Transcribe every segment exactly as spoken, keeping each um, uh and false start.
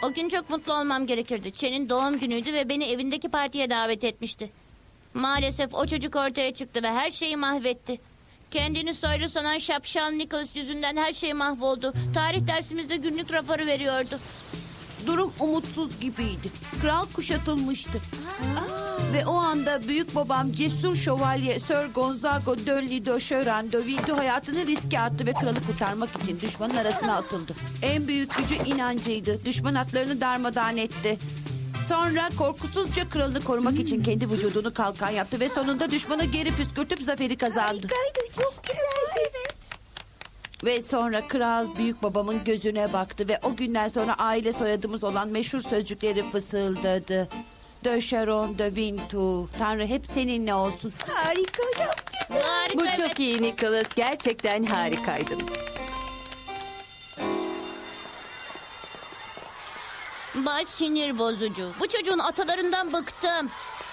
O gün çok mutlu olmam gerekirdi. Chen'in doğum günüydü ve beni evindeki partiye davet etmişti. Maalesef o çocuk ortaya çıktı ve her şeyi mahvetti. Kendini soylu sanan şapşal Nicholas yüzünden her şey mahvoldu. Tarih dersimizde günlük raporu veriyordu. Durum umutsuz gibiydi. Kral kuşatılmıştı. Ve o anda büyük babam cesur şövalye Sir Gonzago de Lido Şören de Vinto hayatını riske attı ve kralı kurtarmak için düşmanın arasına atıldı. En büyük gücü inancıydı. Düşman atlarını darmadağın etti. Sonra korkusuzca kralını korumak için kendi vücudunu kalkan yaptı ve sonunda düşmanı geri püskürtüp zaferi kazandı. Harikaydı, çok güzeldi. Evet. Ve sonra kral büyük babamın gözüne baktı ve o günden sonra aile soyadımız olan meşhur sözcükleri fısıldadı. De Charon de Vintou. Tanrı hep seninle olsun. Harika, çok güzel. Harika, Bu evet. çok iyi Nicholas. Gerçekten harikaydın. Baş sinir bozucu. Bu çocuğun atalarından bıktım.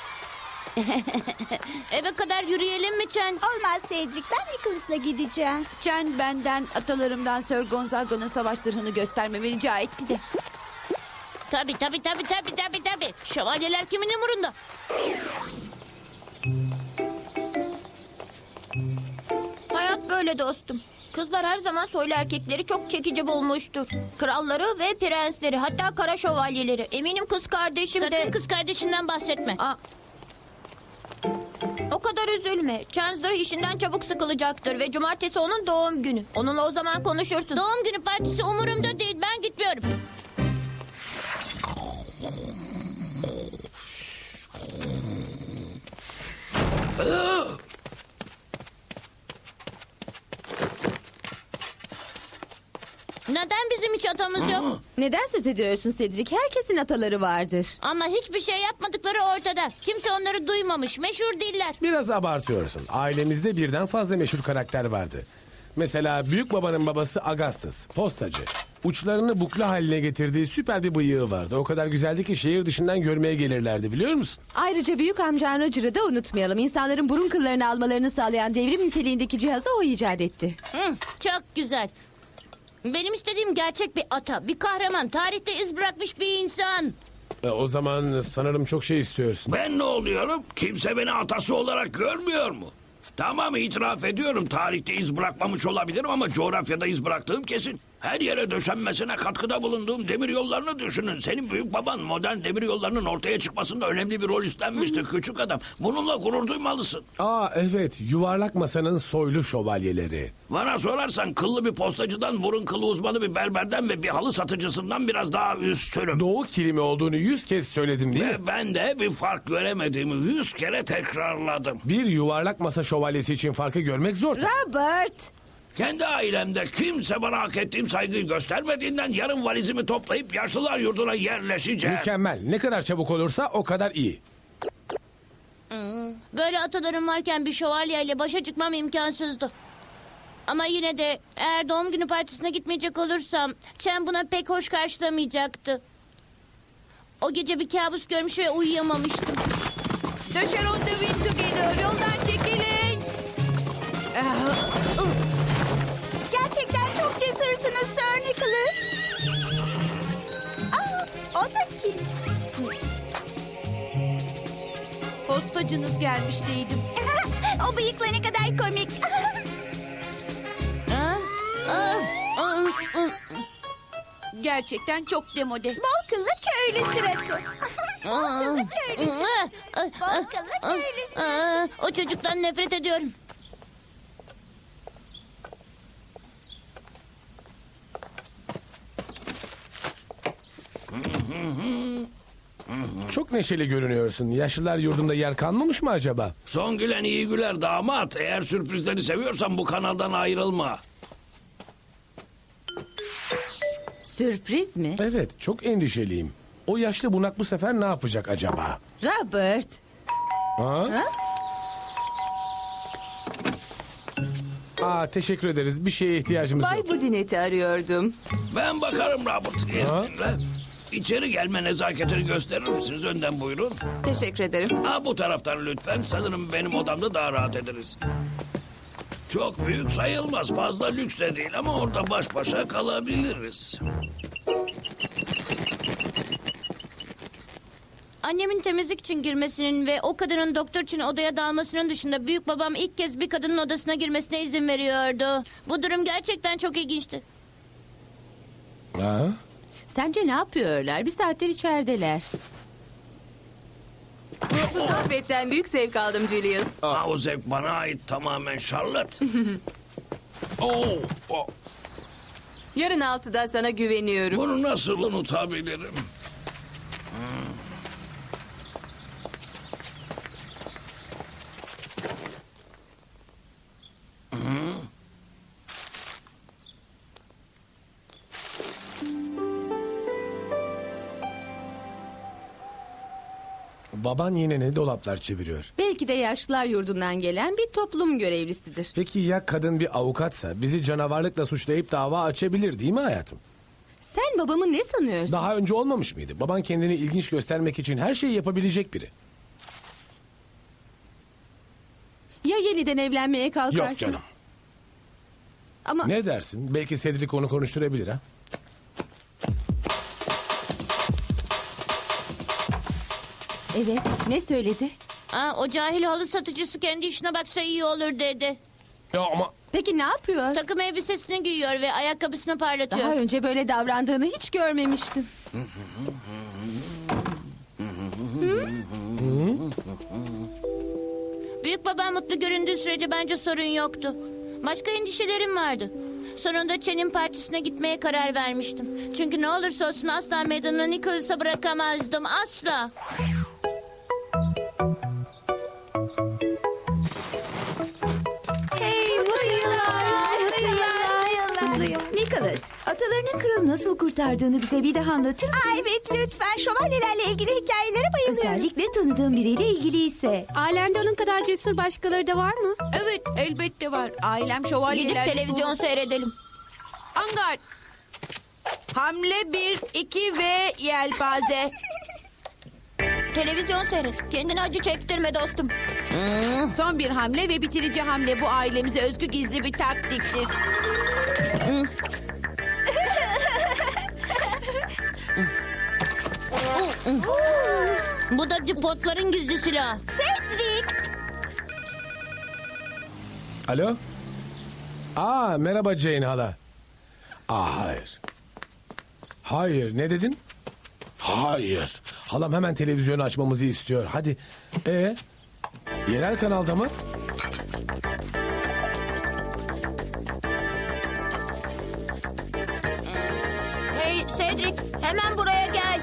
Eve kadar yürüyelim mi Chen? Olmaz Cedric, ben Nicholas'la gideceğim. Chen benden atalarımdan Sir Gonzago'nun savaş zırhını göstermemi rica etti de. Tabii tabii tabii tabii tabii tabii. Şövalyeler kimin umurunda? Hayat böyle dostum. Kızlar her zaman soylu erkekleri çok çekici bulmuştur. Kralları ve prensleri, hatta kara şövalyeleri. Eminim kız kardeşim Sakın de... kız kardeşinden bahsetme. Aa, o kadar üzülme. Chancellor işinden çabuk sıkılacaktır ve cumartesi onun doğum günü. Onunla o zaman konuşursun. Doğum günü partisi umurumda değil. Ben gitmiyorum. Neden bizim hiç atamız yok? Neden söz ediyorsun Cedric? Herkesin ataları vardır. Ama hiçbir şey yapmadıkları ortada. Kimse onları duymamış. Meşhur değiller. Biraz abartıyorsun. Ailemizde birden fazla meşhur karakter vardı. Mesela büyük babanın babası Augustus, postacı. Uçlarını bukla haline getirdiği süper bir bıyığı vardı. O kadar güzeldi ki şehir dışından görmeye gelirlerdi, biliyor musun? Ayrıca büyük amcan Roger'ı da unutmayalım. İnsanların burun kıllarını almalarını sağlayan devrim niteliğindeki cihazı o icat etti. Hı, çok güzel. Benim istediğim gerçek bir ata, bir kahraman, tarihte iz bırakmış bir insan. E, o zaman sanırım çok şey istiyorsun. Ben ne oluyorum? Kimse beni atası olarak görmüyor mu? Tamam, itiraf ediyorum, tarihte iz bırakmamış olabilirim ama coğrafyada iz bıraktığım kesin. Her yere döşenmesine katkıda bulunduğum demir yollarını düşünün. Senin büyük baban modern demir yollarının ortaya çıkmasında önemli bir rol üstlenmişti küçük adam. Bununla gurur duymalısın. Aa evet, yuvarlak masanın soylu şövalyeleri. Bana sorarsan kıllı bir postacıdan, burun kılı uzmanı bir berberden ve bir halı satıcısından biraz daha üstünüm. Doğu kilimi olduğunu yüz kez söyledim değil mi? Ve ben de bir fark göremediğimi yüz kere tekrarladım. Bir yuvarlak masa şövalyesi için farkı görmek zor. Robert! Kendi ailemde kimse bana hak ettiğim saygıyı göstermediğinden yarın valizimi toplayıp yaşlılar yurduna yerleşeceğim. Mükemmel. Ne kadar çabuk olursa o kadar iyi. Böyle atalarım varken bir şövalyeyle başa çıkmam imkansızdı. Ama yine de eğer doğum günü partisine gitmeyecek olursam Chen buna pek hoş karşılamayacaktı. O gece bir kabus görmüş ve uyuyamamıştım. De Charon de Vintou geliyor. Yoldan çekilin. Gerçekten çok cesursunuz Sir Nicholas. Aa, o da kim? Postacınız gelmiş değildim. O bıyıkla ne kadar komik. Ha? Aa, aa, aa. Gerçekten çok demode. Bol kıllı köylü suratı. Bol kıllı köylü suratı. Aa, aa, Bol kıllı köylü suratı. aa, o çocuktan nefret ediyorum. Çok neşeli görünüyorsun. Yaşlılar yurdunda yer kalmamış mı acaba? Son gülen iyi güler damat. Eğer sürprizleri seviyorsan bu kanaldan ayrılma. Sürpriz mi? Evet, çok endişeliyim. O yaşlı bunak bu sefer ne yapacak acaba? Robert! Ha? Aa, teşekkür ederiz. Bir şeye ihtiyacımız Bay yok. Budinet'i arıyordum. Ben bakarım Robert. İzninle. İçeri gelme nezaketini gösterir misiniz? Önden buyurun. Teşekkür ederim. Ha, bu taraftan lütfen. Sanırım benim odamda daha rahat ederiz. Çok büyük sayılmaz. Fazla lüks de değil ama orada baş başa kalabiliriz. Annemin temizlik için girmesinin ve o kadının doktor için odaya dalmasının dışında büyük babam ilk kez bir kadının odasına girmesine izin veriyordu. Bu durum gerçekten çok ilginçti. Ha? Sence ne yapıyorlar? Bir saattir içerideler. Bu sohbetten büyük zevk aldım Julius. Ha, o zevk bana ait tamamen Charlotte. Oo, o- Yarın altıda sana güveniyorum. bunu nasıl unutabilirim? Baban yine ne dolaplar çeviriyor? Belki de yaşlılar yurdundan gelen bir toplum görevlisidir. Peki ya kadın bir avukatsa bizi canavarlıkla suçlayıp dava açabilir değil mi hayatım? Sen babamı ne sanıyorsun? Daha önce olmamış mıydı? Baban kendini ilginç göstermek için her şeyi yapabilecek biri. Ya yeniden evlenmeye kalkarsın? Yok canım. Ama Ne dersin? Belki Cedric onu konuşturabilir ha? evet, ne söyledi? Aa, o cahil halı satıcısı kendi işine baksa iyi olur dedi. Ya ama Peki ne yapıyor? Takım elbisesini giyiyor ve ayakkabısını parlatıyor. Daha önce böyle davrandığını hiç görmemiştim. Büyük babam mutlu göründüğü sürece bence sorun yoktu. Başka endişelerim vardı. Sonunda Chen'in partisine gitmeye karar vermiştim. Çünkü ne olursa olsun asla meydanı Nicholas'a bırakamazdım. Asla. Hey, mutlu yıllar, mutlu yıllar, mutlu yıllar. Nicholas, atalarının kralı nasıl kurtardığını bize bir daha anlatır mısın? Aa, evet lütfen şövalyelerle ilgili hikayelere bayılıyorum. Özellikle tanıdığın biriyle ilgiliyse. Ailende onun kadar cesur başkaları da var mı? Evet, elbette var. Ailem Gidip şövalyeler. televizyon seyredelim. Angard. Hamle bir, iki ve yelpaze. Televizyon seyret. Kendine acı çektirme dostum. Son bir hamle ve bitirici hamle bu ailemize özgü gizli bir taktiktir. Bu da dipotların gizli silahı. Cedric! alo? Aa merhaba Jane hala. Aa hayır. Hayır ne dedin? Hayır. Halam hemen televizyonu açmamızı istiyor. Hadi. Ee? Yerel kanalda mı? Hey Cedric, hemen buraya gel.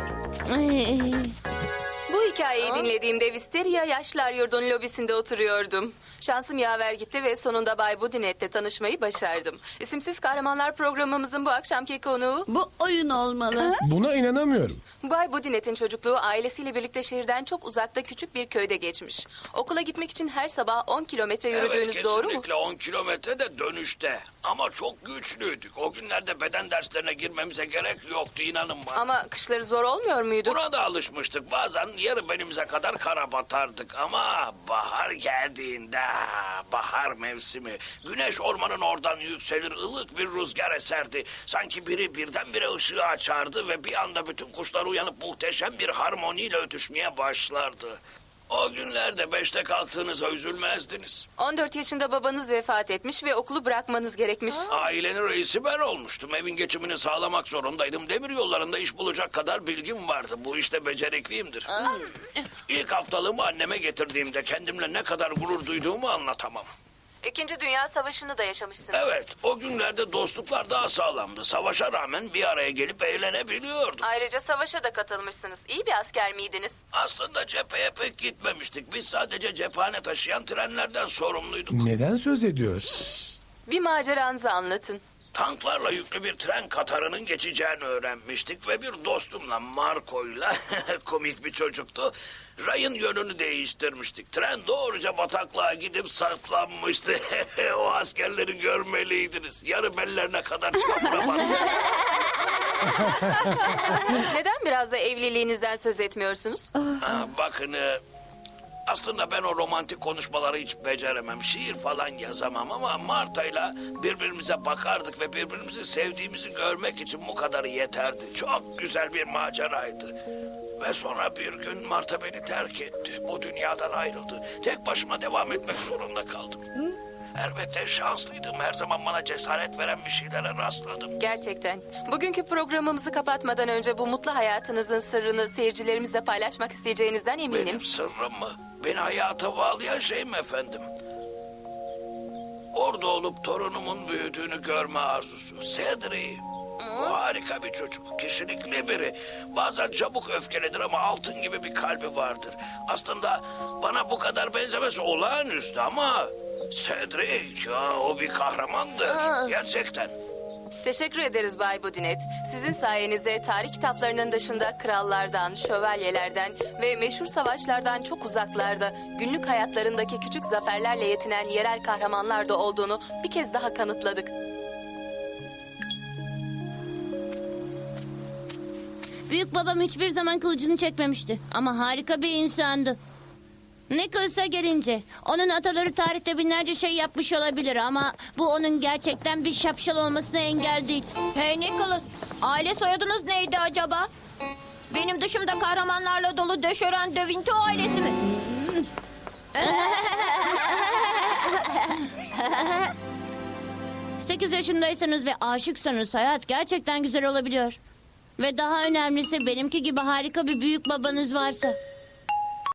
Bu hikayeyi dinlediğimde Wisteria Yaşlılar Yurdu'nun lobisinde oturuyordum. Şansım yaver gitti ve sonunda Bay Budinet'le tanışmayı başardım. İsimsiz Kahramanlar programımızın bu akşamki konuğu... Bu oyun olmalı. Buna inanamıyorum. Bay Budinet'in çocukluğu ailesiyle birlikte şehirden çok uzakta küçük bir köyde geçmiş. Okula gitmek için her sabah on kilometre yürüdüğünüz Evet, doğru mu? kesinlikle on kilometre de dönüşte. Ama çok güçlüydük. O günlerde beden derslerine girmemize gerek yoktu inanın bana. Ama kışları zor olmuyor muydu? Buna da alışmıştık. Bazen yarı belimize kadar kara batardık. Ama bahar geldiğinde, bahar mevsimi, güneş ormanın oradan yükselir, ılık bir rüzgar eserdi. Sanki biri birdenbire ışığı açardı ve bir anda bütün kuşlar uyanıp muhteşem bir harmoniyle ötüşmeye başlardı. O günlerde beşte kalktığınıza üzülmezdiniz. on dört yaşında babanız vefat etmiş ve okulu bırakmanız gerekmiş. Ailenin reisi ben olmuştum. Evin geçimini sağlamak zorundaydım. Demir yollarında iş bulacak kadar bilgim vardı. Bu işte becerikliyimdir. İlk haftalığımı anneme getirdiğimde kendimle ne kadar gurur duyduğumu anlatamam. İkinci Dünya Savaşı'nı da yaşamışsınız. Evet, o günlerde dostluklar daha sağlamdı. Savaşa rağmen bir araya gelip eğlenebiliyorduk. Ayrıca savaşa da katılmışsınız. İyi bir asker miydiniz? Aslında cepheye pek gitmemiştik. Biz sadece cephane taşıyan trenlerden sorumluyduk. Neden söz ediyor? Bir maceranızı anlatın. Tanklarla yüklü bir tren katarının geçeceğini öğrenmiştik ve bir dostumla Marco'yla komik bir çocuktu. Rayın yönünü değiştirmiştik. Tren doğruca bataklığa gidip saplanmıştı. O askerleri görmeliydiniz. Yarı bellerine kadar çamura Neden biraz da evliliğinizden söz etmiyorsunuz? Ha, bakın e, aslında ben o romantik konuşmaları hiç beceremem. Şiir falan yazamam ama Marta'yla birbirimize bakardık ve birbirimizi sevdiğimizi görmek için bu kadarı yeterdi. Çok güzel bir maceraydı. Ve sonra bir gün Marta beni terk etti. Bu dünyadan ayrıldı. Tek başıma devam etmek zorunda kaldım. Elbette şanslıydım. Her zaman bana cesaret veren bir şeylere rastladım. Gerçekten. Bugünkü programımızı kapatmadan önce bu mutlu hayatınızın sırrını seyircilerimizle paylaşmak isteyeceğinizden eminim. Benim sırrım mı? Beni hayata bağlayan şey mi efendim? Orada olup torunumun büyüdüğünü görme arzusu. Cedric. O harika bir çocuk. Kişilikli biri. Bazen çabuk öfkelidir ama altın gibi bir kalbi vardır. Aslında bana bu kadar benzemesi olağanüstü ama... Cedric, ya, o bir kahramandır. Gerçekten. Teşekkür ederiz Bay Budinet. Sizin sayenizde tarih kitaplarının dışında krallardan, şövalyelerden ve meşhur savaşlardan çok uzaklarda günlük hayatlarındaki küçük zaferlerle yetinen yerel kahramanlar da olduğunu bir kez daha kanıtladık. Büyük babam hiçbir zaman kılıcını çekmemişti. Ama harika bir insandı. Nicholas'a gelince onun ataları tarihte binlerce şey yapmış olabilir ama bu onun gerçekten bir şapşal olmasına engel değil. Hey Nicholas, aile soyadınız neydi acaba? Benim dışımda kahramanlarla dolu Döşören de Vinto ailesi mi? Sekiz yaşındaysanız ve aşıksanız hayat gerçekten güzel olabiliyor. Ve daha önemlisi benimki gibi harika bir büyük babanız varsa.